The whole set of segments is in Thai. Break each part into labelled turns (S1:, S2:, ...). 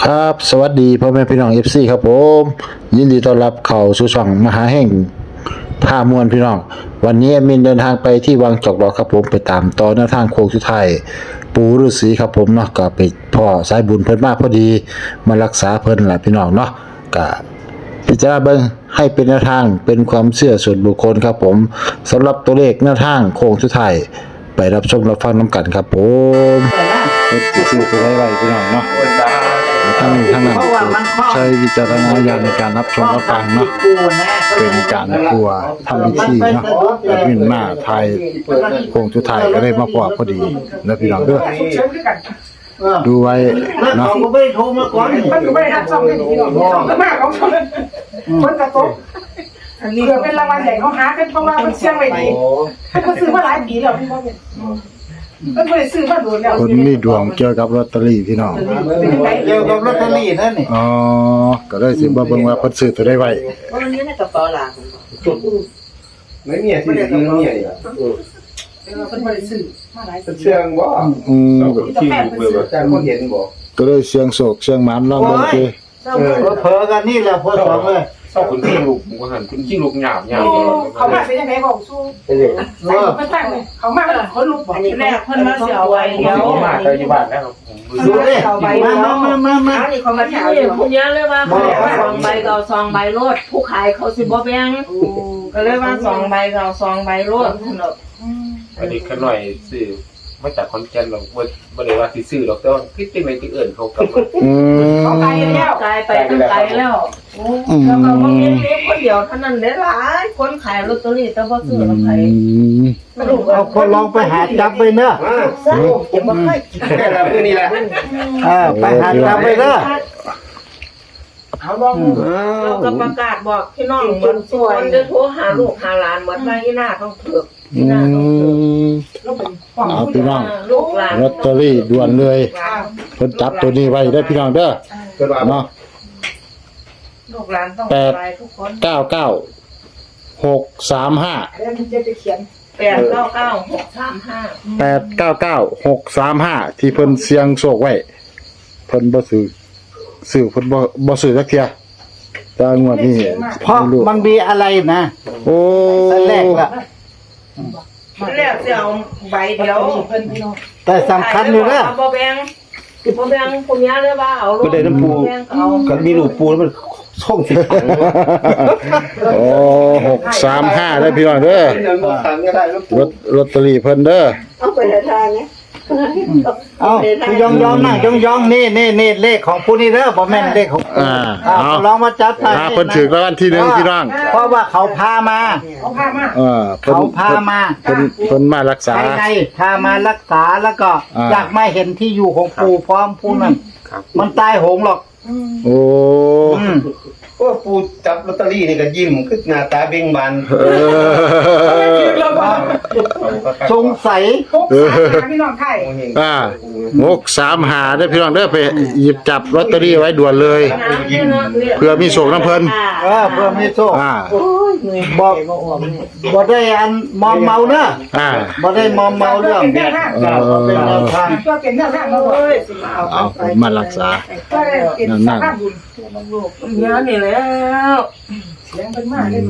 S1: ครับสวัสดีพ่อแม่พี่น้อง FC ครับผมยินดีต้อนรับเข้าสู่ช่องมหาแห่งพามวลพี่น้องวันนี้แอดมินเดินทางไปที่วังจอกดอกครับผมไปตามต่อแนวทางโค้งสุดท้ายปู่ฤาษีครับผมเนาะก็ไปพ่อสายบุญเพิ่นมาพอดีมารักษาเพิ่นล่ะพี่น้องเนาะก็พิจารณาเบิ่งให้เป็นแนวทางเป็นความเชื่อส่วนบุคคลครับผมสำหรับตัวเลขแนวทางโค้งสุดท้ายไปรับชมรับฟังนํกันครับผมสิตัวไว้พี่น้องเนาะทั้งนั้นใช้วิจารณญาณในการรับชมรับฟังเนาะเป็นการกลัวทำพิธีเนาะแอดมินมาไทยโค้งสุดท้ายก็ได้มาพอดีแล้วพี่น้องเด้อดูไว้เนาะ
S2: มันก็ไม่ได้โทรมาก่อนมันก็ไม่ได้รับช่องให้พี่น้องก็มากของเขาคนกระตกเกือบเป็นรางวัลใหญ่เขาหาเป็นเพราะว่ามันเสี่ยงไว้ดีเขาซื้อมาหลายปีแล้วพี่น้องเนี่ยมันไม่ได้ซื้อมาโดนแล้ว
S1: คนมีดวงเกี่ยวกับลอตเตอรี่พี่น้อง
S2: เกี่ยวกับลอตเตอรี่นั่นนี่
S1: อ๋อก็เลยสิบ่เบิ่งว่าเพิ่นซื้อตัวได้ไว้
S3: วันนี้ในกระเป๋าหลัง
S4: ไม่มีที่ไม่มีอ่ะ
S2: มันไม่ได้ซื้อมาหลายปี
S4: เชื่องบ่
S2: ที่แม่เป็นซื้อ
S4: แต่คนเห็นบ่
S1: ก็เลยเสียงโศกเสียงหมานลองเบิ่งสิ
S2: เผลอกันนี่แหละพอสองเลย
S4: ชอบคุณขี้ลูกผมหันคุณขี้ลูกหยาบ
S2: เขามาเป็นยังไงบอกสู้ใส่ไม่ตั้งเลยเขามาคนลุกบอก
S3: แรกเพิ่นมาเสียไว้เดียว
S4: มากเลยอยู่บ้านแล้วผม
S2: ดูเลยมา
S3: อันนี้เขามาที่นี่ผู้เยอะเลยว่าเขาสองใบก็สองใบรถผู้ขายเขาสิบ่แบ่งก็เลยว่าสองใบก็สองใบรถ
S4: อันนี้ขน่อยซื้อมาจากคอนแก่นหรอกบ่ได้ว่าสิซื้อหรอกแต่ว่าคิดจังได๋ที่เอิ้นเขากลับ
S2: เขาไปแล้ว
S3: กลายไปตั้งไกลแล้วแล้วก็บ่มีเล็กคนเดียวเท่านั้นได้หลายคนขายลอตเตอรี่แต่บ่ซื้อแล้วใคร
S2: เอาคนลองไปหาจับไปเนอะ
S3: จะบ่ค่อย
S4: แค่ละมื้อนี้แหละ
S2: ไปหาจับไปเนอะเอาลอง
S3: เราก็ประกาศบอกพี่น้องเหมือนทุกคนจะโทรหาลูกหาหลานเหมือนว่าอีหน้าต้องเถือกอีหน้าต้องเถือก
S1: เอาพี่น้อง
S3: ลูกหลาน
S1: ลอตเตอรี่ด่วนเลยเพิ่นจับตัวนี้ไว้ได้พี่น้องเด้อ
S4: เกิดว่า
S1: เนาะ
S3: ลูกหลานต้องไปทุกคน
S1: 99 635
S2: แล้วมันจะเขียน
S3: 899 635
S1: 899 635ที่เพิ่นเสียงโชคไว้เพิ่นบ่ซื้อเพิ่นบ่ซื้อจักเที่ยแต่งวดนี้
S2: เพราะมันมีอะไรนะ
S1: โอ้
S2: แรกละ
S3: แรกจะเอาใบเดียว
S2: แต่สำคัญอยู่นะ
S3: บ่แบ่งผมยาเลยว่าเอาลูกแบ่งเอา
S4: ก็มีลูกปูแล้วมันช่องสิขัง
S1: โอ้635ได้พี่น้องเด้อ
S4: เงินบ่ขังก็ได้ลูกปู
S1: ลอตเตอรี่เพิ่นเด้อ
S3: เอาไปทางนี้
S2: เอายองนะยองนี่เลขของผู้นี้เด้อบ่แม่นเลขของ
S1: เอา
S2: ลองมาจับไป
S1: เพิ่นถือรางวัลที่1พี่น้อง
S2: เพราะว่าเขาพามา เขาพามา
S1: เพิ่นมารักษา
S2: ภายในพามารักษาแล้วก็อยากมาเห็นที่อยู่ของปู่พร้อมผู้นั้นมันตายโหงหรอก
S1: โอ้
S4: โอ้ปูจับลอตเตอรี่นี่ก็ยิ้มคือหน้าตาเบ่งบาน
S2: สงสัย
S3: พี่น้องไทย
S1: 635ได้พี่น้องเด้อไปหยิบจับลอตเตอรี่ไว้ด่วนเลย เพื่อมีโชคนํเพิ่น
S2: เพื่อมีโชค
S1: อ่า
S2: บ่ได้อันมอมเมาเนอะ
S1: อ่า
S2: บ่ได้มอมเมาเรื่องเป็นแนวทาง
S3: ก็เป็นเรื่องแรกเราเลย
S1: เอาผมมารักษานั่น
S3: เนื้อนี่แล้ว
S2: เสียงเป็นมากเลย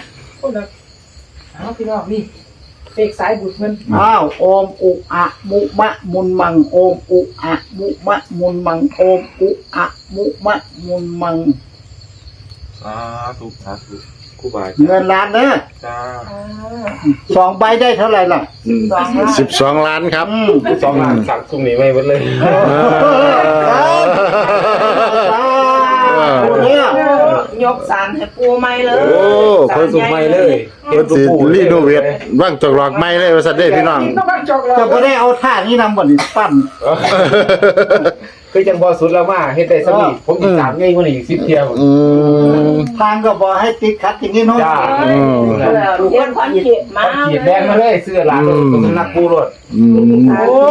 S2: เอาพี่น้องนี่เสกสายบุญมันอ้าวโอมอุอะมุมะมุนมังโอมอุอะมุมะมุนมังโอมอุอะมุมะมุนมัง
S4: สาธุครูบา
S2: เงินล้านเด้อ
S4: จ้า
S2: 2 ใบได้เท่าไหร่ล่ะ
S1: 12 ล้านครับ
S4: 2 ล้านสั่งซุ่มนี้ไว้หมดเลย
S2: เนี่ย
S3: ยกสารให้ปูใหม่เลย
S1: โอ้เพิ่น
S4: สุ่มใหม่เลย
S1: เพิ่นสิรีโนเวทว่างจอกหลอกใหม่เลยว่าซั่นเด้พี่น้อง
S2: จะบ่ได้เอาท่านี้นำบ่นี่ปั้น
S4: คือจังบ่สุดแล้วมาเฮ็ดได้ซะนี่ผมอีก3ไงกว่านี้อีก10เที่ยว
S2: ทางก็บ่ให้ติดขัดอย่างนี้เนาะ
S4: จ้า
S3: เรียนความเขียนมา
S4: ขีดแดงมาเลยเสื้อหลานสำนักปูรถ
S2: โอ้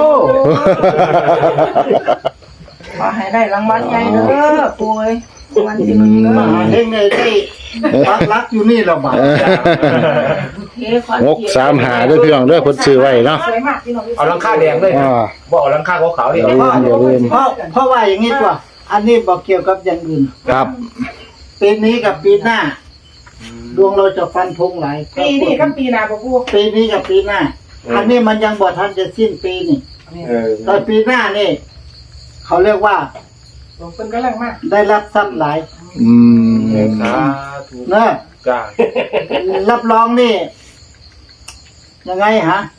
S3: ขอให้ได้รางวัลใหญ่เด้อปูเอ้ยวันที่1เด้
S2: มาหาเฮงได้ปักรักอยู่นี่แล้วบ่
S1: 635เด้อพี่น้องเด้อเพิ่นซื้อไว้เนาะ
S2: สวยมากพี่น้อง
S4: เอาหลังคาแดงเลย
S1: อ่า
S4: บ่เอาหลังคาขาวๆนี่
S1: อย่าลืม
S2: เพราะว่าอย่างนี้ตัว
S5: อันนี้บอกเกี่ยวกับอย่างอื่น
S1: ครับ
S5: ปีนี้กับปีหน้า ดวงเราจะฟันธงหลาย
S2: ปีนี้กับปีหน้าบ่ปู
S5: ปีนี้กับปีหน้า อันนี้มันยังบ่ทันจะสิ้นปีนี่ แต่ปีหน้านี่เขาเรียกว่า
S2: หลวงเพิ่นกำลังมา
S5: ได้รับทรัพย์หลาย
S1: อืม
S4: สาธุ
S5: เนอะ
S4: จ้า
S5: รับรองนี่ยังไงฮะ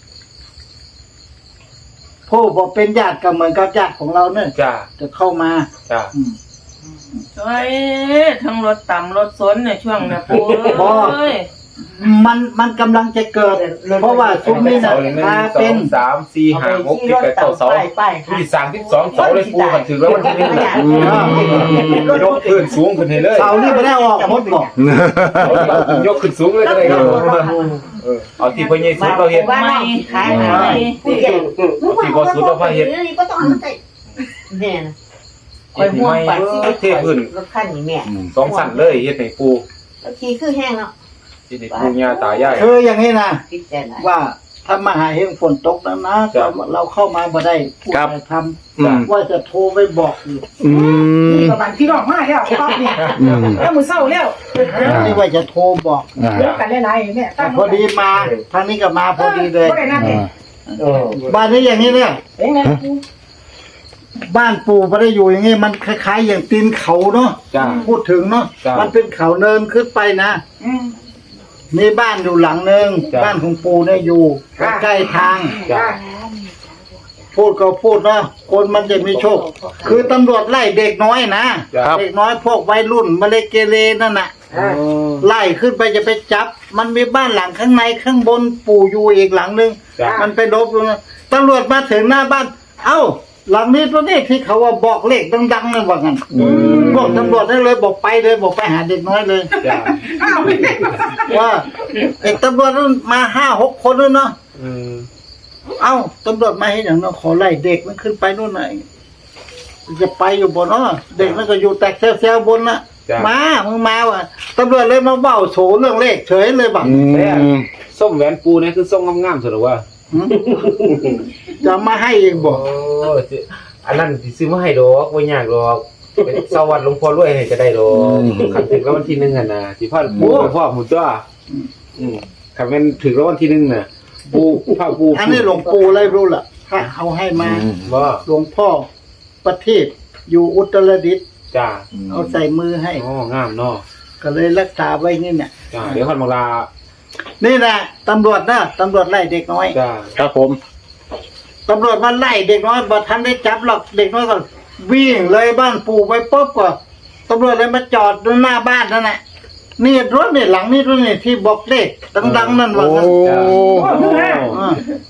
S5: ผู้บอกเป็นญาติก็เหมือนกับญาติของเราเนี่ย
S4: จ้า
S5: จะเข้ามา
S4: จ้า
S5: อืม
S3: ช่วยทั้งรถต่ำรถสนในช่วงเนี่ยปู
S5: บ่
S3: เอ้ย
S5: มันกำลังจะเกิด เพราะว่าซุ้มนี่นะ
S4: หนึ่ง
S5: พา
S4: สอ
S5: เป็น
S4: งสามสี่ห้าหกเจ็ดแปดเก้าเสาที่สามที่สองเสาเลยปูกันถึงแล้ววันที่หนึ่งยกขึ้นสูงขึ้นให้เลย
S5: เสานี่ไม่ได้ออกหมดบอก
S4: ยกขึ้นสูงเลยก็ได้ครับเอาที่พ่อใหญ่สุดเราเห็น
S3: ไม่ขายไม่
S4: เอาที่พ่อสุดเราพาเห็น
S6: นี่ก็ต้องเอามาใส่แม่นะ
S4: เห็นไหมเทพื้น
S6: รถคันนี้แม่
S4: สองสั่นเลยเห็นให้ปู
S6: แล้วขี่คือแห้งเนาะ
S4: เห็นให้ปูย่าตายาย
S5: คืออย่างนี้นะ
S6: คิดใจไหน
S5: ว่าถ้ามาหาเฮงฝนตกนะนะเราเข้ามาบ่ได้ผู้ใดทำว่าจะโทรไปบอกอยู่
S1: อืม
S2: นี่ก็บันพี่น้องมาแล้วรอบนี้แล้วมื้อเช้าแล้ว
S5: นี่ว่าจะโทรบอก
S1: อ่า
S2: เดี๋ยวกันหลายๆแม่
S5: แต่พอดีมาทางนี้ก็มาพอดีเลย
S2: บ่ได้นัดเอง
S5: บ้านนี้อย่างนี้เนี่ย
S2: เองนะปู
S5: บ้านปู่ไม่ได้อยู่อย่างนี้มันคล้ายๆอย่างตีนเขาเนาะ
S4: จ้า
S5: พูดถึงเนาะ
S4: จ้ะ
S5: มันเป็นเขาเนินขึ้นไปนะ
S2: อืม
S5: มีบ้านอยู่หลังหนึ่ง
S4: จ้ะ
S5: บ้านของปู่เนี่ยอยู่
S2: จ้ะ
S5: ใกล้ทาง
S4: จ้า
S5: พูดก็พูดเนาะคนมันจะมีโชค คือตำรวจไล่เด็กน้อยนะ
S1: ครับ
S5: เด็กน้อยพวกวัยรุ่นมาเลเกเรนั่นน่ะ ไล่ขึ้นไปจะไปจับ มันมีบ้านหลังข้างในข้างบนปู่อยู่อีกหลังหนึ่ง
S4: จ้า
S5: มันไปลบอยู่นะตำรวจมาถึงหน้าบ้าน เอ้า หลังนี้ตัวนี้ที่เขาว่าบอกเลขดังๆนั่นว่างั้นบอกตำรวจได้เลยบอกไปเลยบอกไปหาเด็กน้อยเลย
S4: จ้า
S2: อ้าว
S5: ว่าเอกตำรวจนั้นมา5-6 คนด้วยเนาะ เอ้าตำรวจมาให้อย่างเนาะขอไล่เด็กมันขึ้นไปนู่นน่ะจะไปอยู่บนเนาะเด็กมันก็อยู่แต่แซวๆบนน่ะ
S4: จ้ะ
S5: มามึงมาว่ะตำรวจเลยมาเว้าโฉเรื่องเลขเฉยเลยบัก
S1: อืม
S4: ส้มแหวนปูเนี่ยคือส้มงามๆสุดหรอวะ
S5: จะมาให้เองบอก
S4: อันนั้นสิซื้อมาให้ดอกบ่ยากดอกเป็นสวัสดิ์หลวงพ่อรวยให้ก็ได้ดอกคันถึงแล้ววันที่1หั่นน่ะสิพาปูไปพ่อหมู่ตัวคันแม่นถึงแล้ววันที่1น่ะปูพาปู
S5: อันนี้หลวงปู่อะไรรู้ล่ะถ้าเอาให้มา
S4: บ่
S5: หลวงพ่อประเทศอยู่อุตรดิตถ์
S4: จ้า
S5: เอาใส่มือให้
S4: อ๋องามเนาะ
S5: ก็เลยรักษาไว้นี่เนี่ย
S4: จ้าเดี๋ยวคันบังลา
S5: นี่แหละตำรวจนะตำรวจไล่เด็กน้อย
S4: จ้า
S1: ครับผม
S5: ตำรวจมาไล่เด็กน้อยบ่ทันได้จับหรอกเด็กน้อยก็วิ่งเลยบ้านปู่ไปปุ๊บก็ตำรวจเลยมาจอดหน้าบ้านนั่นแหละนี่รถนี่หลังนี่รถนี่ที่บอกเลขดังๆนั่นว่า
S1: โอ้
S5: งั้น
S2: โอ้คือฮะ
S5: อ่า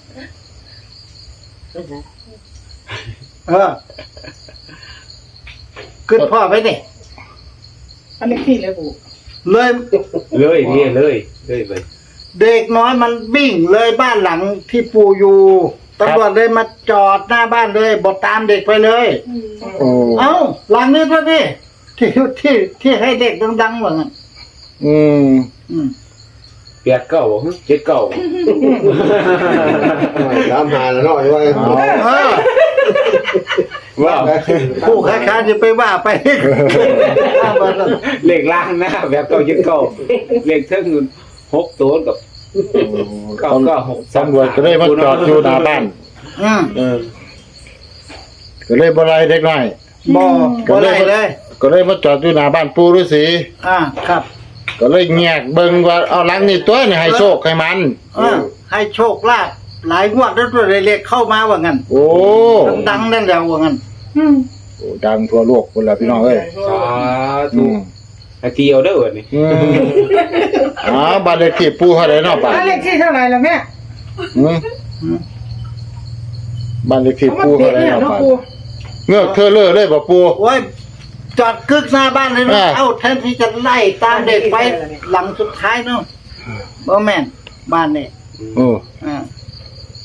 S5: ขึ้นพ่อไปนี่
S2: อันนี้ที่เลยปู
S5: เลย
S4: เลยนี่เลยไป
S5: เด็กน้อยมันวิ่งเลยบ้านหลังที่ปู่อยู่ตำรวจเลยมาจอดหน้าบ้านเลยบอกตามเด็กไปเลย
S1: โอ้
S5: เอ้าหลังนี้ด้วยนี่ที่ให้เด็กดังๆว่างั้น
S1: อืม
S5: อืม
S4: 8 9 7 9
S7: ตามหาแล้วเนาะว่า
S5: เออ
S4: ว้าว
S5: ผู้ค้าจะไปว่าไป
S4: เลขล่างนะแบบ7 9เลขเทิง6ตัวกับ996
S1: ตำรวจก็เลยมาจอดอยู่หน้าบ้าน
S5: อืม
S1: ก็เลยบ่ไล่เด็กน้อย
S5: บ่ได้เลย
S1: ก็เลยมาจอดอยู่หน้าบ้านปู่ฤาษี
S5: ครับ
S1: ก็เลยแงกเบิ่งว่าเอาหลังนี่ตัวนี่ให้โชคให้มัน
S5: ให้โชคลาภหลายงวดแล้วตัวเล็กๆเข้ามาว่างั้น
S1: โอ้
S5: ดังๆนั่นแหละว่างั้น
S1: โอ้ดังทั่วโลกพุ่นล่ะพี่น้องเอ้ย
S4: สา
S1: อื
S4: ธุ
S1: ม
S4: อาเกียวเด้อนี่
S1: อืมอ๋อบ้านเลขที่ปู่เท่าไหร่เนาะป้า
S2: อันเลขที่เท่าไหร่ล่ะแม่
S1: อืมบ้านเลขที่
S2: เอามา
S1: ปู่
S2: เด็
S1: เท่าก ไหร่
S2: เนี่ย
S1: เนาะ
S2: เนาะ
S1: ป้า
S2: ปู
S1: เงือกเธอเลอเลยบ่ปู่
S5: โอ้ยจอดกึกหน้าบ้านเลยนะ
S1: อ่า
S5: เอ้าแทนที่จะไล่ตามเด็กไปหลังสุดท้ายเนาะบ่แม่นบ้านนี่
S1: โอ้
S5: อ่า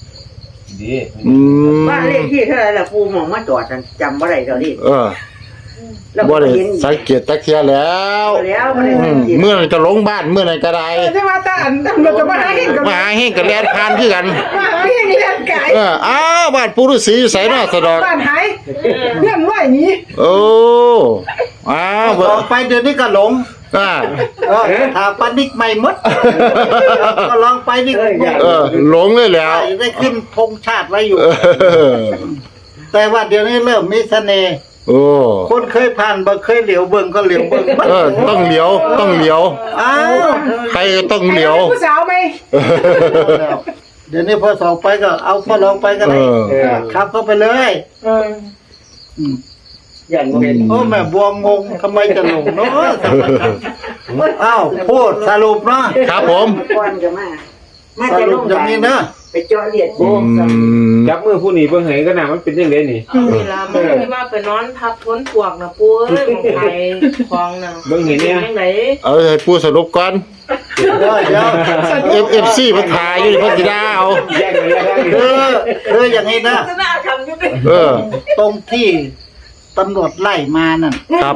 S4: ดี
S1: อืม
S6: บ้านเลขที่เท่าไหร่ล่ะปูหมองมาจอดกันจำว่าไรเดี๋ยวนี้
S1: เออ
S6: แล้ว
S1: บ่
S6: ก็
S1: ได้
S6: เห็น
S1: สังเกตจักเที่ยแล้ว
S6: แล้วบ่ได้
S1: อื
S6: สั
S1: ม
S6: งเกต
S1: เมื่อไหร่จะลงบ้านเมื่อไหร่ก็ได้
S2: แต่ว่าตาอันเราจะมาหาเห็นกัน
S1: มาหาเฮงกับแลนผ่านคือกัน
S2: มาหาเห็นเรียนไก่
S1: อ้าวบ้านปู่ฤาษีอยู่ไสเนาะสะดอก
S2: บ้านหายเพื่อนว่าอย่างนี้
S1: โอ้อ้าวบ่
S5: ต่อไปเดี๋ยวนี้ก็หลง
S1: อ่า
S5: ถ้าปานิกใหม่หมดก็ลองไปนี่
S1: หลงเลยแล้ว
S5: ได้ขึ้นธงชาติไว้อยู่
S1: เออ
S5: แต่ว่าเดี๋ยวนี้เริ่มมีเสน่ห์
S1: โอ้
S5: คนเคยผ่านบ่เคยเหลียวเบิ่งก็เหลียวเบิ่ง
S1: ต้องเหลียวต้องเหลียว
S5: อ้าว
S1: ใครก็ต้องเหลียว
S2: ผู้สาวไหม
S5: เดี๋ยวนี้พอสองไปก็เอาพอลองไปก็ได้ ครับเข้าไปเลย
S6: อย่างบ่เห็น
S5: โอ้แม่บัวงงทำไมจะหลงเนาะอ้าวพูดสรุปเนาะ
S1: ครับผม
S6: ก่อนก็มา
S5: ส
S6: จะล
S5: รุป
S6: ง
S5: อย่างนี้นะ
S6: ไปเจาะเลียด
S1: อืม
S4: จับมือผู้นี้เบิ่งให้ก็น่ามันเป็นจังได๋นี่
S3: เอาเวลามันที่ว่าไปนอนทับพ้นปวกนะปูเอ้ยของไทยของน่ะ
S4: เบิ่งเห็นเนี่ย
S3: ยังไง
S1: เอาให้ปูสรุปก่อน
S5: เดี๋ยว
S1: FC มันถ่ายอยู่นี่เพิ่นสิด่าเอา
S4: แยกกันแล้วได้
S5: คืออย่างนี้นะ
S3: หน้าคำอยู่ดิ
S1: เออ
S5: ตรงที่ตำรวจไล่มานั่น
S1: ครับ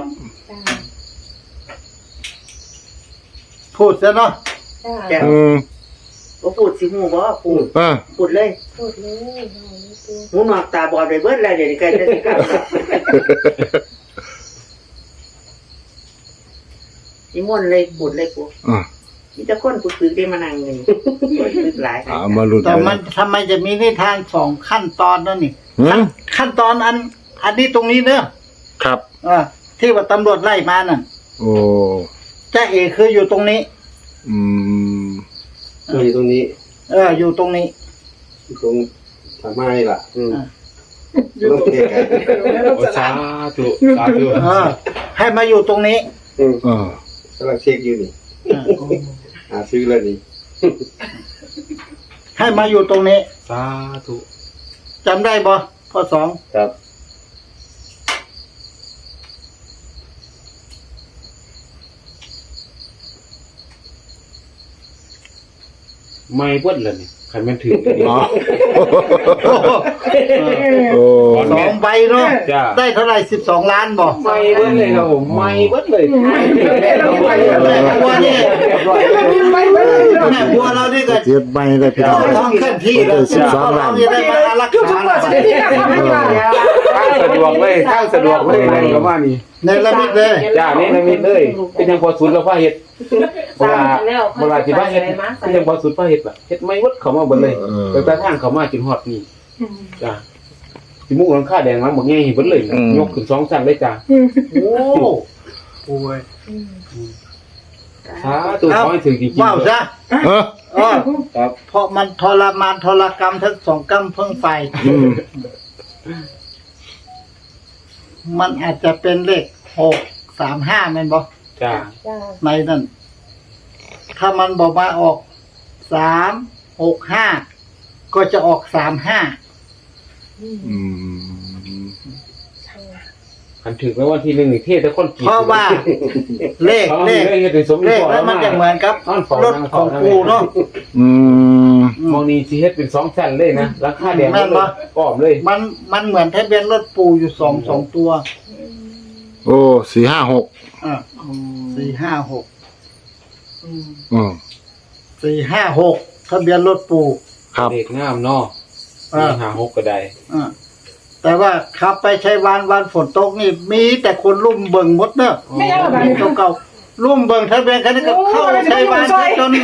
S5: พูดซะเนาะ
S1: อืม
S6: บ่พูดสิฮู้บ่พูด
S1: อ่า
S6: พูดเลยหูหนวกตาบอดไปเบิดแล้วเดี๋ยวนี้ใกล้จะสิกลับแล้วนิมนต์เลยพูดเลยปู
S1: อ่า
S6: มีแต่คนผู้ฝึกได้มานั่งอยู่นี่คนฝึกหลาย
S1: มาลุ้น
S5: แต่มันทำไมจะมีนิทานสองขั้นตอนนั่นนี่
S1: หืม
S5: ขั้นตอนอันนี้ตรงนี้เนอะ
S1: ครับ
S5: ที่ว่าตำรวจไล่มานั่น
S1: โอ้
S5: จ้าเอกคืออยู่ตรงนี้
S1: อืม
S7: อยู่ตรงนี้
S5: อยู่ตรงนี้
S7: อยู่ตรงทางไม้ล่ะ
S5: อ่า
S7: ต้องเทกัน
S4: โอ้สาธุสาธุ
S5: ให้มาอยู่ตรงนี้
S1: เออก
S7: ำลังเช็คอยู่นี่หาซื้อแล้วนี่
S5: ให้มาอยู่ตรงนี้
S4: สาธุ
S5: จำได้บ่ข้อสอง
S7: ครับ
S4: ไม่เบิดเลยนี่คันแม่นถึงนี่
S1: อ๋อโอ้
S5: สองใบเนาะ
S4: จ้า
S5: ได้เท่าไหร่12 ล้านบ่
S4: ไม่เบิดเลยครับผมไม่เบิดเลย
S5: แม่บัวนี่
S2: ไปไปเลย
S5: แม่บัวเรานี่ก็
S1: เจ็บไม่ได้พี่น้อง
S5: ท้องเคลื่อนที่เลย
S1: 12 ล้าน
S5: นี่ได้มารัก
S2: ทุก
S5: ษา
S2: เปิดสิที่ทำให้มา
S4: ข้างสะดวกเลยข้างสะดวกเลยอะไรประมาณนี้
S5: ในระมิดเลย
S4: จ้านี่นะมิดเลยเป็นยังพอสุดแล้วพ่อเฮ็ดเวลาเวลาที่บ้านเฮ็ดเป็นยังพอสุดพ่อเฮ็ดล่ะเฮ็ดไม่เบิดเข้ามาเบิดเลยแต่ทางเข้ามาจนฮอดนี่จ้าสิมุกหลังคาแดงมาบ่แง่เห็นเบิดเลยยกขึ้น2ชั้นเลยจ้า
S5: โอ้โอ้ย
S4: สาธุขอให้ถึงจริงๆ
S5: ว้าวซะ
S1: เออ
S5: ครับเพราะมันทรมานทรกรรมทั้งสองกรรมเพิ่งไฟ
S1: อืม
S5: มันอาจจะเป็นเลข635แม่นบ่
S4: จ้า
S5: ในนั่นถ้ามันบอกมาออก365ก็จะออก35
S1: อืม
S4: คันถึงแล้ววันที่1นี่เทศแต่คนกี่
S5: เพราะว่าเลข
S4: เลขเฮ็ดให้สม
S5: เลข
S4: พร
S5: แล้วมันจะเหมือนกับรถของกูเนาะ
S1: อืม
S4: มองนี้สิเฮ็ดเป็น2ชั้นเลยนะราคาแดง
S5: แม่นบ่
S4: อ้อมเลย
S5: มันเหมือนทะเบียนรถปูอยู่สองตัว
S1: โอ้456
S5: 456
S1: อืม
S5: 456ทะเบียนรถปู
S1: ครับ
S4: เลขงามเนาะ456ก็ได้
S5: แต่ว่าขับไปใช้วันฝนตกนี่มีแต่คนลุ่มเบิ่งหมดเนอะ
S2: ไม่ยังแบบนี้
S5: เก่าๆลุ่มเบิ่งทะเบียนคันนี้ก็เข้าใช้วันจน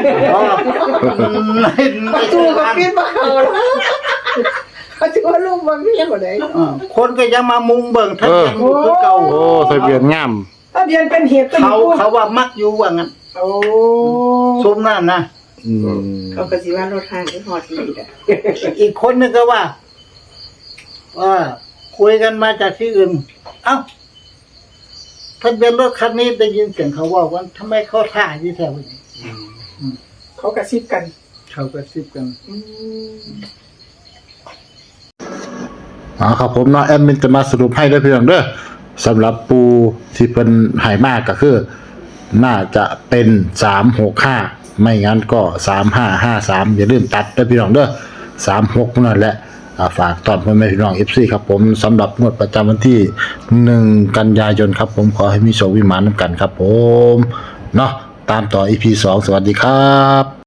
S5: ในตู้ก็ปิด
S2: เขาจะว่าลูกมันไม่ยังกว่าไหน
S5: คนก็ยังมามุงเบิ่งทะเบียนคือเก่า
S1: โอ้ทะเบียนงาม
S2: ถ้าเบียนเป็นเหตุเป็น
S5: เขาว่ามักอยู่ว่างั้น
S2: โอ้
S5: ซุ้มนั่นนะ
S1: อืม
S6: เขาก็สิว่ารถห้างที่ฮอดที่อ่ะ
S5: อีกคนนึงก็ว่าคุยกันมาจากที่อื่น เอ้าทะเบียนรถคันนี้ได้ยินเสียงเขาว่าว่าทำไมเขาท่าที่แถวนี้
S2: เขากระซิบกัน
S5: เขาก็ซิบกัน
S1: ครับผมเนาะแอดมินจะมาสรุปให้ด้วยพี่น้องเด้อสำหรับปูที่เป็นหายมากก็คือ น่าจะเป็น365ไม่งั้นก็3553อย่าลืมตัดด้วยพี่น้องเด้อ36นั่นแหละฝากตอนพ่อแม่พี่น้อง FC ครับผมสำหรับงวดประจำวันที่1กันยายนครับผมขอให้มีโชควิมานนำกันครับผมเนาะตามต่อ EP 2สวัสดีครับ